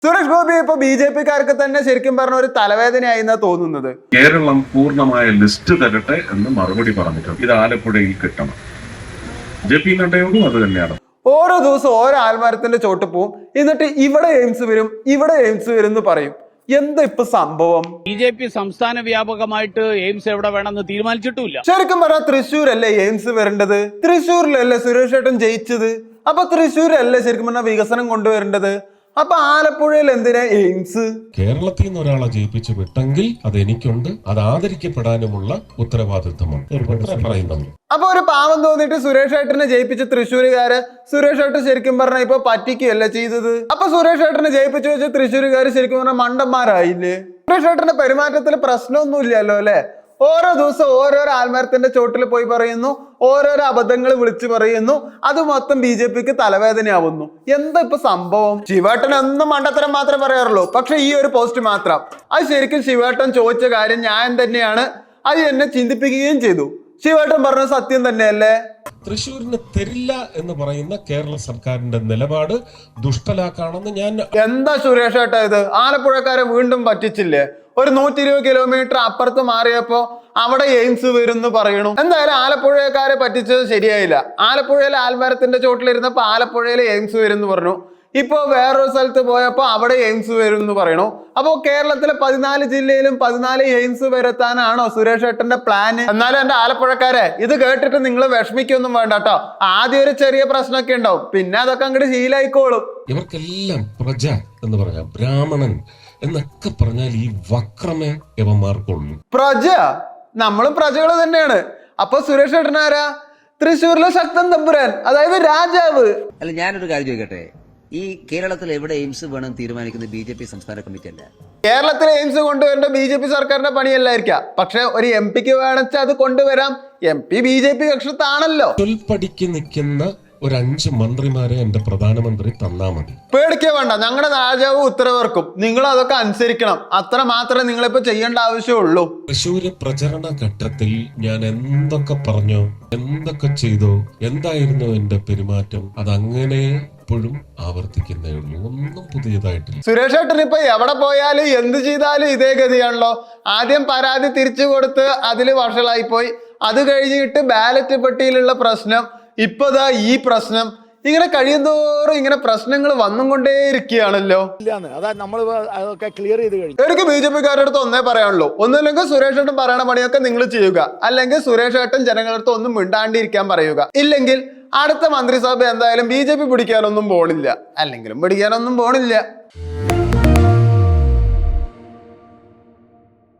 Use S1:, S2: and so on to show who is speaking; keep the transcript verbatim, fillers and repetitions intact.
S1: സുരേഷ് ഗോപി ഇപ്പൊ B J പിക്കാർക്ക് തന്നെ ശരിക്കും പറഞ്ഞ ഒരു തലവേദനയായി എന്നാ തോന്നുന്നത്.
S2: കേരളം പൂർണ്ണമായ ലിസ്റ്റ് തരട്ടെ എന്ന് മറുപടി പറഞ്ഞിട്ടുണ്ട്. ഇത് ആലപ്പുഴയിൽ കിട്ടണം. ജെ പി നഡ്ഡയോടും അത് തന്നെയാണ്.
S1: ഓരോ ദിവസം ഓരോ ആൽമരത്തിന്റെ ചോട്ട് പോവും, എന്നിട്ട് ഇവിടെ എയിംസ് വരും ഇവിടെ എയിംസ് വരും എന്ന് പറയും. എന്താ ഇപ്പൊ സംഭവം?
S3: ബി ജെ പി സംസ്ഥാന വ്യാപകമായിട്ട് എയിംസ് എവിടെ വേണമെന്ന് തീരുമാനിച്ചിട്ടില്ല.
S1: ശരിക്കും പറഞ്ഞാൽ തൃശ്ശൂരല്ലേ എയിംസ് വരേണ്ടത്? തൃശ്ശൂരിലല്ലേ സുരേഷ് ഏട്ടൻ ജയിച്ചത്? അപ്പൊ തൃശ്ശൂരല്ലേ ശരിക്കും പറഞ്ഞാൽ വികസനം കൊണ്ടുവരേണ്ടത്? അപ്പൊ ആലപ്പുഴയിൽ എന്തിനാ എയിംസ്?
S4: കേരളത്തിൽ നിന്ന് ഒരാളെ ജയിപ്പിച്ചു വിട്ടെങ്കിൽ അത് എനിക്കുണ്ട്, അത് ആദരിക്കപ്പെടാനുമുള്ള ഉത്തരവാദിത്വമാണ് പറയുന്നത്.
S1: അപ്പൊ ഒരു പാവം തോന്നിട്ട് സുരേഷ് ഏട്ടനെ ജയിപ്പിച്ച തൃശ്ശൂരുകാര് സുരേഷ് ഏട്ടൻ ശരിക്കും പറഞ്ഞ ഇപ്പൊ പറ്റിക്കുകയല്ല ചെയ്തത്. അപ്പൊ സുരേഷ് ഏട്ടനെ ജയിപ്പിച്ചു വെച്ച തൃശ്ശൂരുകാര് ശരിക്കും പറഞ്ഞ മണ്ടന്മാരായില്ലേ? സുരേഷ് ഏട്ടന്റെ പെരുമാറ്റത്തിൽ പ്രശ്നമൊന്നും ഇല്ലല്ലോ അല്ലെ? ഓരോ ദിവസം ഓരോരോ ആൽമരത്തിന്റെ ചോട്ടിൽ പോയി പറയുന്നു, ഓരോരോ അബദ്ധങ്ങൾ വിളിച്ചു പറയുന്നു, അത് മൊത്തം ബി ജെ പിക്ക് തലവേദനയാവുന്നു. എന്താ ഇപ്പൊ സംഭവം? ശിവേട്ടൻ എന്നും മണ്ടത്തരം മാത്രമേ പറയാറുള്ളൂ. പക്ഷെ ഈ ഒരു പോസ്റ്റ് മാത്രം അത് ശരിക്കും ശിവേട്ടൻ ചോദിച്ച കാര്യം ന്യായം തന്നെയാണ്. അത് എന്നെ ചിന്തിപ്പിക്കുകയും ചെയ്തു. ശിവേട്ടൻ പറഞ്ഞ സത്യം തന്നെയല്ലേ?
S4: തൃശ്ശൂരിന് തരില്ല എന്ന് പറയുന്ന കേരള സർക്കാരിന്റെ നിലപാട് ദുഷ്ടലാക്കാണെന്ന് ഞാൻ.
S1: എന്താ സുരേഷ് ഏട്ടാ ഇത്? ആലപ്പുഴക്കാരെ വീണ്ടും പറ്റിച്ചില്ലേ? ഒരു നൂറ്റി ഇരുപത് കിലോമീറ്റർ അപ്പുറത്ത് മാറിയപ്പോ അവിടെ എയിംസ് വരും എന്ന് പറയണു. എന്തായാലും ആലപ്പുഴക്കാരെ പറ്റിച്ചത് ശരിയായില്ല. ആലപ്പുഴയിലെ ആൽമരത്തിന്റെ ചോട്ടിലിരുന്നപ്പോ ആലപ്പുഴയിലെ എയിംസ് വരും എന്ന് പറഞ്ഞു. ഇപ്പൊ വേറൊരു സ്ഥലത്ത് പോയപ്പോ അവിടെ എയിംസ് വരും എന്ന് പറയണു. അപ്പോ കേരളത്തിലെ പതിനാല് ജില്ലയിലും പതിനാല് എയിംസ് വരുത്താനാണോ സുരേഷ് ഏട്ടന്റെ പ്ലാന്? എന്നാലും എന്റെ ആലപ്പുഴക്കാരെ ഇത് കേട്ടിട്ട് നിങ്ങൾ വിഷമിക്കൊന്നും വേണ്ട കേട്ടോ. ആദ്യം ഒരു ചെറിയ പ്രശ്നമൊക്കെ ഉണ്ടാവും, പിന്നെ അതൊക്കെ അങ്ങോട്ട് ശീലായിക്കോളും.
S4: ഇവർക്കെല്ലാം പ്രജ എന്ന് പറയാം, ബ്രാഹ്മണൻ എന്നൊക്കെ പറഞ്ഞാൽ ഈ വക്രമേ യവന്മാർക്കുള്ളൂ.
S1: പ്രജ, നമ്മളും പ്രജകൾ തന്നെയാണ്. അപ്പൊ സുരേഷ് ഏട്ടനാരാ? തൃശ്ശൂരിലെ ശക്തൻ തമ്പുരാൻ, അതായത് രാജാവ്.
S5: അല്ല, ഞാനൊരു കാര്യം ചോദിക്കട്ടെ, ഈ കേരളത്തിൽ എവിടെ എയിംസ് വേണം തീരുമാനിക്കുന്നത് ബി ജെ പി സംസ്ഥാന കമ്മിറ്റി അല്ല?
S1: കേരളത്തിലെ എയിംസ് കൊണ്ടുവരേണ്ട ബി ജെ പി സർക്കാരിന്റെ പണിയല്ലായിരിക്കാം. പക്ഷെ ഒരു എം പിക്ക് വേണമെച്ചാൽ അത് കൊണ്ടുവരാം. M P B J P കക്ഷത്താണല്ലോ.
S4: തൊൽപ്പടിക്ക് നിൽക്കുന്ന ഒരു അഞ്ച് മന്ത്രിമാരെ എന്റെ പ്രധാനമന്ത്രി തന്നാ മതി.
S1: പേടിക്കേ വേണ്ട, ഞങ്ങളുടെ രാജാവ് ഉത്തരവിറക്കും. നിങ്ങൾ അതൊക്കെ അനുസരിക്കണം. അത്ര മാത്രമേ നിങ്ങളിപ്പോ ചെയ്യേണ്ട ആവശ്യമുള്ളൂ.
S4: തൃശ്ശൂര് പ്രചരണ ഘട്ടത്തിൽ ഞാൻ എന്തൊക്കെ പറഞ്ഞോ, എന്തൊക്കെ ചെയ്തോ, എന്തായിരുന്നു എന്റെ പെരുമാറ്റം, അതങ്ങനെ എപ്പോഴും ആവർത്തിക്കുന്നേ ഉള്ളൂ. ഒന്നും പുതിയതായിട്ടില്ല.
S1: സുരേഷ് ഏട്ടൻ ഇപ്പൊ എവിടെ പോയാലും എന്ത് ചെയ്താലും ഇതേ ഗതിയാണല്ലോ. ആദ്യം പരാതി തിരിച്ചു കൊടുത്ത് അതില് വഷളായി പോയി. അത് കഴിഞ്ഞിട്ട് ബാലറ്റ് പെട്ടിയിലുള്ള പ്രശ്നം, ഇപ്പതാ ഈ പ്രശ്നം. ഇങ്ങനെ കഴിയുന്തോറും ഇങ്ങനെ പ്രശ്നങ്ങൾ വന്നും കൊണ്ടേ ഇരിക്കുകയാണല്ലോ. എനിക്ക് ബി ജെ പിക്കാരുടെ അടുത്ത് ഒന്നേ പറയാനുള്ളൂ, ഒന്നുമില്ലെങ്കിൽ സുരേഷ് ഏട്ടൻ പറയണ പണിയൊക്കെ നിങ്ങൾ ചെയ്യുക, അല്ലെങ്കിൽ സുരേഷ് ഏട്ടൻ ജനങ്ങളുടെ അടുത്ത് ഒന്നും മിണ്ടാണ്ടിരിക്കാൻ പറയുക. ഇല്ലെങ്കിൽ അടുത്ത മന്ത്രിസഭ എന്തായാലും ബി ജെ പി പിടിക്കാനൊന്നും പോണില്ല, അല്ലെങ്കിലും പിടിക്കാനൊന്നും പോണില്ല.